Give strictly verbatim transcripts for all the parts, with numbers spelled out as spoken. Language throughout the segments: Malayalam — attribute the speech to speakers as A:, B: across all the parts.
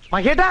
A: മഹേട്ടാ,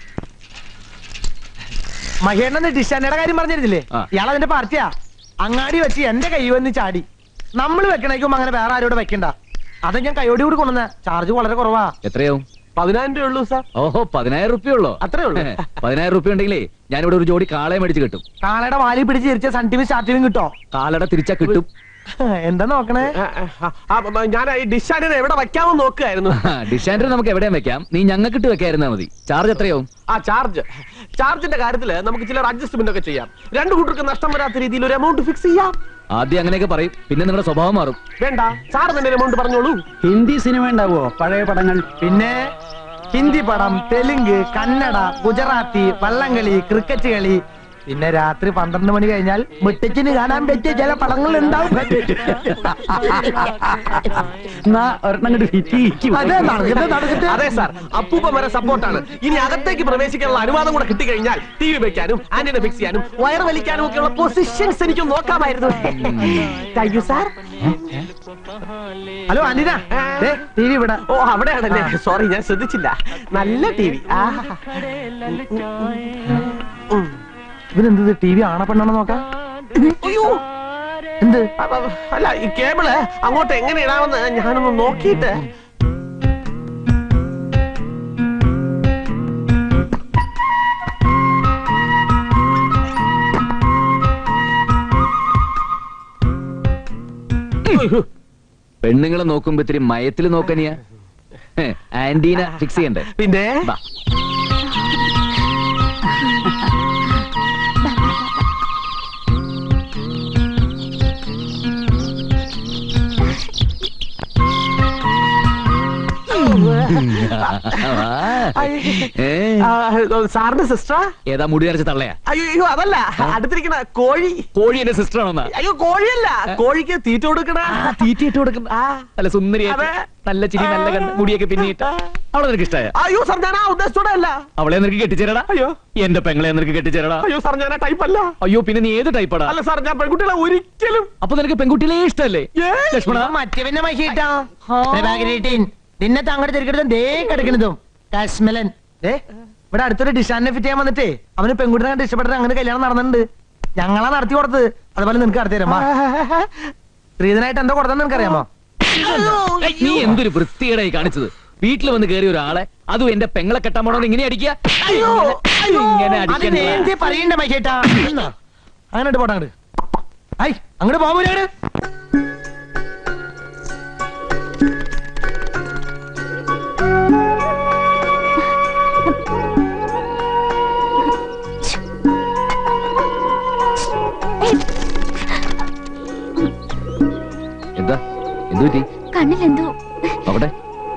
A: മഹേട്ടന്റെ ഡിഷാനയുടെ കാര്യം പറഞ്ഞിരുന്നില്ലേ? ഇയാൾ അതിന്റെ പാർട്ടിയാ. അങ്ങാടി വെച്ച് എന്റെ കൈ വന്ന് ചാടി. നമ്മൾ വെക്കണേക്കും അങ്ങനെ വേറെ ആരോട് വെക്കണ്ട. അത് ഞാൻ കൈയോടി കൂടി കൊണ്ടുവന്ന. ചാർജ് വളരെ കുറവാ.
B: എത്രയാവും?
A: പതിനായിരം രൂപ ഉള്ളൂ സാർ.
B: ഓഹോ, പതിനായിരം റുപ്യ ഉള്ളോ?
A: അത്രേ ഉള്ളൂ.
B: പതിനായിരം റുപ്യ ഉണ്ടെങ്കിലേ ഞാനിവിടെ ഒരു ജോഡി കാളയെ മേടിച്ച് കിട്ടും.
A: കാളയുടെ വാലി പിടിച്ച് തിരിച്ച സൺ ടി വി സ്റ്റാർട്ട് ടിവിയും കിട്ടോ?
B: കാളയുടെ തിരിച്ചാ കിട്ടും.
A: എന്താ നോക്കണേ?
C: ഞാൻ ഈ ഡിഷാനെ എവിടെ വെക്കാമെന്ന് നോക്കുകയായിരുന്നു.
B: ഡിഷാൻഡർ നമുക്ക് എവിടെയും വെക്കാം. നീ ഞങ്ങൾക്കിട്ട് വെക്കായിരുന്നാ മതി. ചാർജ് എത്രയാവും?
C: ആ ചാർജ് ചാർജിന്റെ കാര്യത്തില് നമുക്ക് ചില അഡ്ജസ്റ്റ്മെന്റ് ഒക്കെ ചെയ്യാം. രണ്ടു കൂട്ടർക്ക് നഷ്ടം വരാത്ത രീതിയിൽ ഒരു എമൗണ്ട് ഫിക്സ് ചെയ്യാം.
B: ആദ്യം അങ്ങനെയൊക്കെ പറയും, പിന്നെ നിങ്ങളുടെ സ്വഭാവം മാറും.
C: വേണ്ട, സാർ തന്നെ എമൗണ്ട് പറഞ്ഞോളൂ.
D: ഹിന്ദി സിനിമ ഉണ്ടാവോ? പഴയ പടങ്ങൾ?
A: പിന്നെ ഹിന്ദി പടം, തെലുങ്ക്, കന്നഡ, ഗുജറാത്തി, വള്ളംകളി, ക്രിക്കറ്റ് കളി, പിന്നെ രാത്രി പന്ത്രണ്ട് മണി കഴിഞ്ഞാൽ മുട്ടച്ചിന് കാണാൻ പറ്റിയ ചില പടങ്ങൾ ഉണ്ടാവും.
C: അതെ സാർ, അപ്പൂപ്പ വരെ സപ്പോർട്ടാണ്. ഇനി അകത്തേക്ക് പ്രവേശിക്കാനുള്ള അനുവാദം കൂടെ കിട്ടിക്കഴിഞ്ഞാൽ ടി വി വെക്കാനും ആന്റിനെ ഫിക്സ് ചെയ്യാനും വയർ വലിക്കാനും ഒക്കെയുള്ള പൊസിഷൻസ് എനിക്ക് നോക്കാമായിരുന്നു. Thank you sir.
A: Hello antenna, T V ഇവിടെ.
C: ഓ, അവിടെയാണല്ലേ? സോറി, ഞാൻ ശ്രദ്ധിച്ചില്ല. നല്ല ടി വി.
A: ഇവനെന്ത് ടി വി ആണ പെണ്ണാണോ നോക്കാം? എന്ത്?
C: അല്ല, ഈ കേബിള് അങ്ങോട്ട് എങ്ങനെ ഇടാമെന്ന് ഞാനൊന്ന് നോക്കിയിട്ട്.
B: പെണ്ണുങ്ങളെ നോക്കുമ്പോ ഇത്തിരി മയത്തില് നോക്കനിയാ. ആന്റീന ഫിക്സ് ചെയ്യണ്ടേ?
C: പിന്നെ സാറിന്റെ സിസ്റ്ററാ?
B: ഏതാ മുടി അരച്ച തള്ളയാ?
C: അയ്യോ, അതല്ല, അടുത്തിരിക്കണ കോഴി.
B: കോഴി എന്റെ സിസ്റ്റർ ആണോ?
C: അയ്യോ, കോഴിയല്ല, കോഴിക്ക് തീറ്റ കൊടുക്കണ.
B: തീറ്റ ഇട്ട് കൊടുക്കുന്ന നല്ല സുന്ദരിയായിട്ട്, നല്ല ചിരി, നല്ല കണ്ണ്, മുടിയൊക്കെ പിന്നിട്ട്. അവളെ നിനക്ക് ഇഷ്ടമായ?
C: അയ്യോ സാർ, ഞാൻ ആ ഉദ്ദേശത്തോടെ അല്ല.
B: അവളെ നിനക്ക് കെട്ടിച്ചേരടാ.
C: അയ്യോ,
B: എന്റെ പെങ്ങളെ നിനക്ക് കെട്ടിച്ചേരടാ.
C: അയ്യോ സാർ, ഞാൻ ആ ടൈപ്പ് അല്ല.
B: അയ്യോ, പിന്നെ നീ ഏത് ടൈപ്പാടാ?
C: അല്ല സാർ, ഞാൻ പെൺകുട്ടികളെ ഒരിക്കലും.
B: അപ്പൊ നിനക്ക് പെൺകുട്ടികളെ ഇഷ്ടല്ലേ? ലക്ഷ്മണ,
A: മറ്റേ പിന്നെ മഹിട്ടാ നിന്നെ താങ്കളുടെ തിരിക്കടുത്തും ദേ കിടക്കണതും കാശ്മലൻ. ദേ ഇവിടെ അടുത്തൊരു ഡിഷാനെ ഫിറ്റ് ചെയ്യാൻ വന്നിട്ടേ അവന് പെൺകുട്ടിനെ കണ്ട് ഇഷ്ടപ്പെട്ടിട്ട് അങ്ങനെ കല്യാണം നടന്നിട്ടുണ്ട്. ഞങ്ങളാ നടത്തി കൊടുത്തത്. അതുപോലെ നിനക്ക് നടത്തി തരാം. സ്ത്രീധനായിട്ട് എന്താ കൊടുത്തെന്ന് നിനക്കറിയാമോ?
B: നീ എന്തൊരു വൃത്തികേടായി കാണിച്ചത്. വീട്ടിൽ വന്ന് കയറിയ ഒരാളെ, അതും എന്റെ പെങ്ങളെ കെട്ടാൻ പോണോ ഇങ്ങനെ അടിക്കുക?
A: ഇങ്ങനെ പറയണ്ട മൈക്കേട്ടാ. അങ്ങനെ പോട്ടെ അങ്ങോട്ട്. ഐ അങ്ങോട്ട് പോകൂല.
B: എന്താ എന്തു പറ്റി?
E: കണ്ണിലെന്തോ.
B: അവിടെ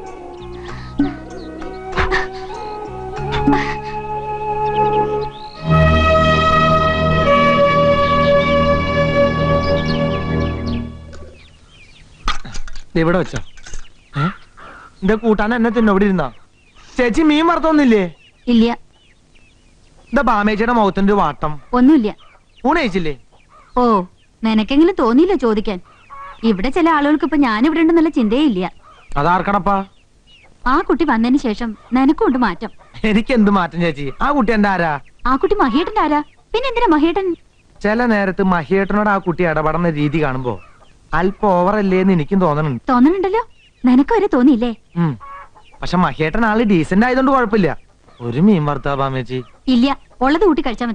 A: ഇവിടെ വെച്ചോ. എന്റെ കൂട്ടാൻ എന്നെ തിന്നെ ഇവിടെ ഇരുന്നാ. ചേച്ചി മീൻ വറുത്തൊന്നില്ലേ?
E: ഇല്ല.
A: എന്താ ബാമേച്ചിയുടെ മുഖത്തിന്റെ വാട്ടം?
E: ഒന്നുമില്ല.
A: ഊണ് കഴിച്ചില്ലേ?
E: ഓ, നിനക്കെങ്കിലും തോന്നിയില്ല ചോദിക്കാൻ. ഇവിടെ ചില ആളുകൾക്ക് ഇപ്പൊ ഞാനിവിടെ ഉണ്ടെന്നുള്ള ചിന്തയേ ഇല്ല.
A: അതാർക്കണപ്പാ?
E: ആ കുട്ടി വന്നതിന് ശേഷം നിനക്കുണ്ട് മാറ്റം.
A: എനിക്ക് എന്ത് മാറ്റം ചേച്ചി? ആ കുട്ടി എന്റെ ആരാ?
E: ആ കുട്ടി മഹിയേട്ടന്റെ ആരാ? പിന്നെ എന്തിനാ മഹിയേട്ടൻ?
A: ചില നേരത്ത് മഹിയേട്ടനോട് ആ കുട്ടി ഇടപെടുന്ന രീതി കാണുമ്പോ അല്പം ഓവറല്ലേന്ന് എനിക്കും തോന്നണുണ്ട്.
E: തോന്നണുണ്ടല്ലോ, നിനക്ക് വരെ തോന്നിയില്ലേ?
A: പക്ഷെ മഹിയേട്ടൻ ആള് ഡീസന്റ് ആയതുകൊണ്ട് കുഴപ്പമില്ല. ഒരു മീൻ വറുത്താ ബാമേച്ചി?
E: ഇല്ല, ഉള്ളത് കൂട്ടി കഴിച്ചാൽ മതി.